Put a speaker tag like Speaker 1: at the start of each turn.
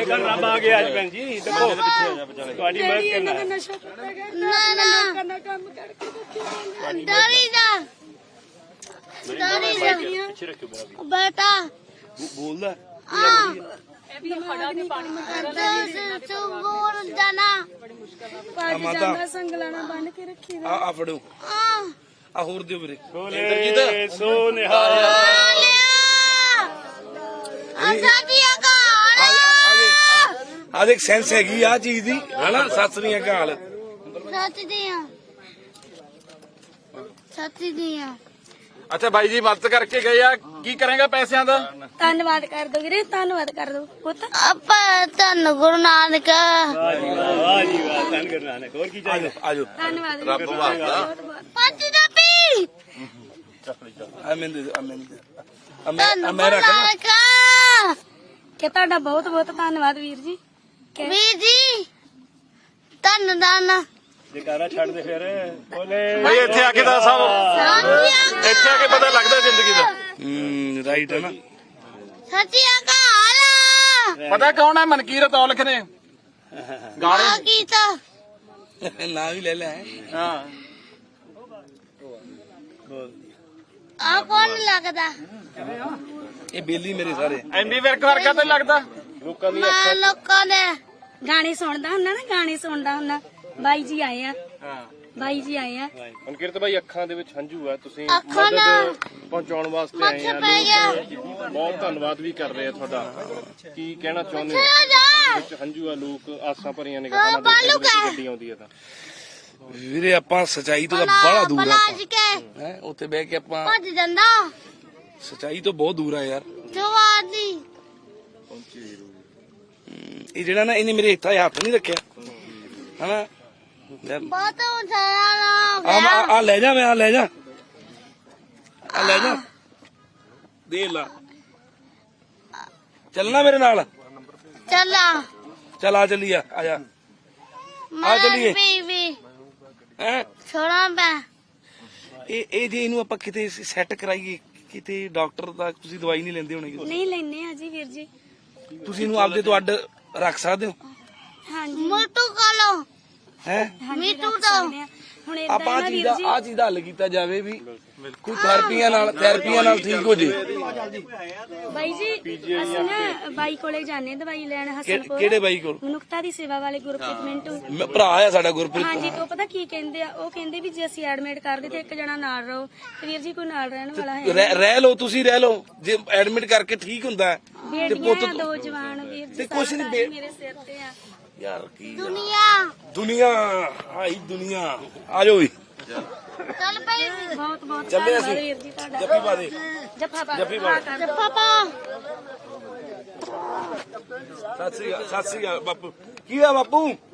Speaker 1: कल रब आ गया भैन जी देखो ਤੁਹਾਡੀ ਮਦਦ ਕਰਨਾ
Speaker 2: ਨਸ਼ਾ ਨਾ ਨਾ ਕੰਮ ਕਰਕੇ ਡਰੀ ਜਾ
Speaker 1: ਪਿੱਛੇ ਰੱਖਿਓ
Speaker 2: ਬੇਟਾ
Speaker 1: ਬੋਲਦਾ
Speaker 2: ਜਾਣਾ
Speaker 3: ਮਾਤਾ
Speaker 2: ਸੰਗਲਾਣਾ ਬੰਨ ਕੇ ਰੱਖੀ
Speaker 3: ਆ ਫੜੋ ਆ ਹੋਰ ਦਿਓ ਵੀਰੇ
Speaker 1: ਬੋਲੇ ਸੋ ਨਿਹਾਲ
Speaker 3: ਆ ਦੇਖ ਸੈਂਸ ਹੈਗੀ ਆ ਚੀਜ਼ ਦੀ ਹਨਾ ਸਤਿ ਸ੍ਰੀ ਅਕਾਲ
Speaker 2: ਸੱਚੀ ਦੀਆਂ
Speaker 4: ਅੱਛਾ ਬਾਈ ਜੀ ਮਦਦ ਕਰਕੇ ਗਏ ਆ ਕੀ ਕਰੇਗਾ ਪੈਸਿਆਂ ਦਾ
Speaker 2: ਧੰਨਵਾਦ ਕਰ ਦੋ ਵੀਰੇ ਧੰਨਵਾਦ ਕਰ ਦੋ ਪੁੱਤ ਆਪਾਂ ਧੰਨ ਗੁਰੂ ਨਾਨਕ
Speaker 1: ਵਾਹ ਜੀ ਵਾਹ ਧੰਨ ਗੁਰੂ ਨਾਨਕ ਹੋਰ ਕੀ ਚਾਹੀਦਾ
Speaker 3: ਆਜੋ
Speaker 2: ਧੰਨਵਾਦ
Speaker 4: ਰੱਬ ਵਾਸਤਾ
Speaker 2: ਪੰਜ ਜਪੀ
Speaker 3: ਆ ਮੈਨੂੰ
Speaker 2: ਧੰਨ
Speaker 3: ਮੈਂ ਰੱਖ ਲਾਂ
Speaker 2: ਕਿ ਤੁਹਾਡਾ ਬਹੁਤ ਬਹੁਤ ਧੰਨਵਾਦ ਵੀਰ ਜੀ ਵੀਰ ਜੀ ਧੰਨ ਧੰਨ
Speaker 1: ਜਕਾਰਾ ਛੱਡ ਦੇ ਫਿਰ ਬੋਲੇ
Speaker 4: ਬਈ ਇੱਥੇ ਆ ਕੇ ਦਾ ਸਭ ਇੱਥੇ ਆ ਕੇ ਪਤਾ ਲੱਗਦਾ ਜ਼ਿੰਦਗੀ ਦਾ
Speaker 3: ਰਾਈਟ ਹੈ ਨਾ
Speaker 2: ਸੱਚੀ ਅਕਾਲ
Speaker 4: ਪਤਾ ਕੌਣ ਹੈ ਮਨਕੀਰਤ ਔਲਖ ਨੇ ਗਾਣੇ
Speaker 2: ਆ ਕੀਤਾ
Speaker 3: ਨਾ ਵੀ ਲੈ ਲੈ
Speaker 4: ਹਾਂ
Speaker 2: ਆ ਕੌਣ ਲੱਗਦਾ
Speaker 3: ਇਹ ਬੇਲੀ ਮੇਰੇ ਸਾਰੇ
Speaker 4: ਐਮਬੀ ਵਿਰਕ ਵਰਗਾ ਤਾਂ ਲੱਗਦਾ
Speaker 1: ਲੋਕਾਂ ਦੀ
Speaker 2: ਮੈਂ ਲੋਕਾਂ ਦੇ ਗਾਣੇ ਸੁਣਦਾ ਹੁੰਦਾ ਨਾ ਗਾਣੇ ਸੁਣਦਾ ਹੁੰਦਾ ਬਾਈ ਜੀ ਆਏ ਆ
Speaker 4: ਹਾਂ
Speaker 2: ਬਾਈ ਜੀ ਆਏ ਆ
Speaker 1: ਮਨਕੀਰਤ ਭਾਈ ਅੱਖਾਂ ਦੇ ਵਿੱਚ ਹੰਝੂ ਆ ਤੁਸੀਂ
Speaker 2: ਅੱਖਾਂ ਨਾਲ
Speaker 1: ਪਹੁੰਚਾਉਣ ਵਾਸਤੇ ਆਏ
Speaker 2: ਮੱਥੇ
Speaker 1: ਆ
Speaker 2: ਪੈ ਗਿਆ
Speaker 1: ਬਹੁਤ ਧੰਨਵਾਦ ਵੀ ਕਰ ਰਹੇ ਆ ਤੁਹਾਡਾ ਕੀ ਕਹਿਣਾ ਚਾਹੁੰਦੇ
Speaker 2: ਚਲੋ
Speaker 1: ਹੋ
Speaker 2: ਜਾ
Speaker 1: ਵਿੱਚ ਹੰਝੂ ਆ ਲੋਕ ਆਸਾਂ ਭਰੀਆਂ ਨਿਗਾਹਾਂ ਨਾਲ
Speaker 2: ਬਾਲੂ
Speaker 1: ਦੇਖਦੇ
Speaker 2: ਕਾ।
Speaker 1: ਗੱਡੀ ਆਉਂਦੀ ਆ ਤਾਂ
Speaker 3: ਵੀਰੇ ਆਪਾਂ ਸਚਾਈ ਤੋਂ ਤਾਂ ਬੜਾ ਦੂਰ ਆ
Speaker 2: ਬਲਾਜ ਕੇ
Speaker 3: ਹੈ ਉੱਥੇ ਬਹਿ ਕੇ ਆਪਾਂ
Speaker 2: ਭੱਜ ਜਾਂਦਾ
Speaker 3: ਸਚਾਈ ਤੋਂ ਬਹੁਤ ਦੂਰ ਆ ਯਾਰ
Speaker 2: ਜਵਾਦੀ
Speaker 3: ਇਹ ਜਿਹੜਾ ਨਾ ਇਹਨੇ ਮੇਰੇ ਹੱਥਾਂ 'ਚ ਹੱਥ ਨਹੀਂ ਰੱਖਿਆ ਹਨਾ
Speaker 2: ਬਹੁਤ ਉਛਾਲਾ
Speaker 3: ਆ ਲੈ ਜਾ ਮੈਂ ਆ ਲੈ ਜਾ ਦੇ ਲਾ ਚੱਲਣਾ ਮੇਰੇ ਨਾਲ
Speaker 2: ਚੱਲਾ
Speaker 3: ਚੱਲ ਆ ਚੱਲੀਏ ਆ ਜਾ ਆ ਚੱਲੀਏ
Speaker 2: ਬੀਬੀ
Speaker 3: ਹੈ
Speaker 2: ਛੋੜਾਂ ਪੈ
Speaker 3: ਇਹ ਜੇ ਇਹਨੂੰ ਆਪਾਂ ਕਿਤੇ ਸੈੱਟ ਕਰਾਈਏ ਕਿਤੇ ਡਾਕਟਰ ਦਾ ਤੁਸੀਂ ਦਵਾਈ ਨਹੀਂ ਲੈਂਦੇ ਹੋਣੇ
Speaker 2: ਨਹੀਂ ਲੈਨੇ ਆ ਜੀ ਵੀਰ ਜੀ
Speaker 3: ਤੁਸੀਂ ਇਹਨੂੰ ਆਪਦੇ ਤੋਂ ਅੱਡ ਰੱਖ ਸਕਦੇ ਹੋ
Speaker 2: ਹਾਂਜੀ ਮੋਟੂ ਕਾਲੋ
Speaker 3: ਹੈ
Speaker 2: ਮੀਟੂ ਤੋਂ ਹੁਣ ਇਦਾਂ
Speaker 3: ਆਪਾਂ
Speaker 2: ਨਾ ਵੀਰ ਜੀ
Speaker 3: ਆ ਚੀਜ਼ ਦਾ ਹੱਲ ਕੀਤਾ ਜਾਵੇ ਵੀ ਕੋਈ ਥੈਰੇਪੀਆਂ ਨਾਲ ਠੀਕ ਹੋ ਜੇ
Speaker 2: ਬਾਈ ਜੀ ਅਸੀਂ ਨਾ ਬਾਈ ਕੋਲੇ ਜਾਣੇ ਦਵਾਈ ਲੈਣ ਹਸਨਪੁਰ
Speaker 3: ਕਿਹੜੇ ਬਾਈ ਕੋਲ
Speaker 2: ਮਨੁੱਖਤਾ ਦੀ ਸੇਵਾ ਵਾਲੇ ਗੁਰਪ੍ਰੀਤ ਮਿੰਟੂ
Speaker 3: ਭਰਾ ਆ ਸਾਡਾ ਗੁਰਪ੍ਰੀਤ
Speaker 2: ਹਾਂਜੀ ਤੋਂ ਪਤਾ ਕੀ ਕਹਿੰਦੇ ਆ ਉਹ ਕਹਿੰਦੇ ਵੀ ਜੇ ਅਸੀਂ ਐਡਮਿਟ ਕਰਦੇ ਤੇ ਇੱਕ ਜਣਾ ਨਾਲ ਰਹੋ ਤੇ ਵੀਰ ਜੀ ਕੋਈ ਨਾਲ ਰਹਿਣ ਵਾਲਾ ਹੈ
Speaker 3: ਰਹਿ ਲਓ ਤੁਸੀਂ ਰਹਿ ਲਓ ਜੇ ਐਡਮਿਟ ਕਰਕੇ ਠੀਕ ਹੁੰਦਾ ਹੈ,
Speaker 2: ਬੇਟੀਆਂ ਆ, ਦੋ ਜਵਾਨ ਵੀਰ ਜੀ
Speaker 3: ਤੇ ਕੁਛ ਨੀ
Speaker 2: ਸਾਰਾ
Speaker 3: ਬੇ-
Speaker 2: ਮੇਰੇ ਸਿਰ ਤੇ ਆ
Speaker 3: ਯਾਰ ਕੀ
Speaker 2: ਦੁਨੀਆ
Speaker 3: ਆਈ ਦੁਨੀਆ ਆ ਜਾਓ ਵੀ
Speaker 2: ਚੱਲ ਪਈ ਬਹੁਤ ਬਹੁਤ
Speaker 3: ਚੱਲੇ
Speaker 2: ਧੰਨਵਾਦ
Speaker 3: ਅਸੀਂ।
Speaker 2: ਵੀਰ ਜੀ ਤੁਹਾਡਾ
Speaker 3: ਜੱਫੀ ਪਾ ਦੇ
Speaker 2: ਜੱਫਾ ਪਾ
Speaker 3: ਜੱਫੀ ਪਾ।
Speaker 2: ਜੱਫਾ ਪਾ
Speaker 3: ਸਤਿ ਸ੍ਰੀ ਅਕਾਲ ਬਾਪੂ ਕੀ ਆ ਬਾਪੂ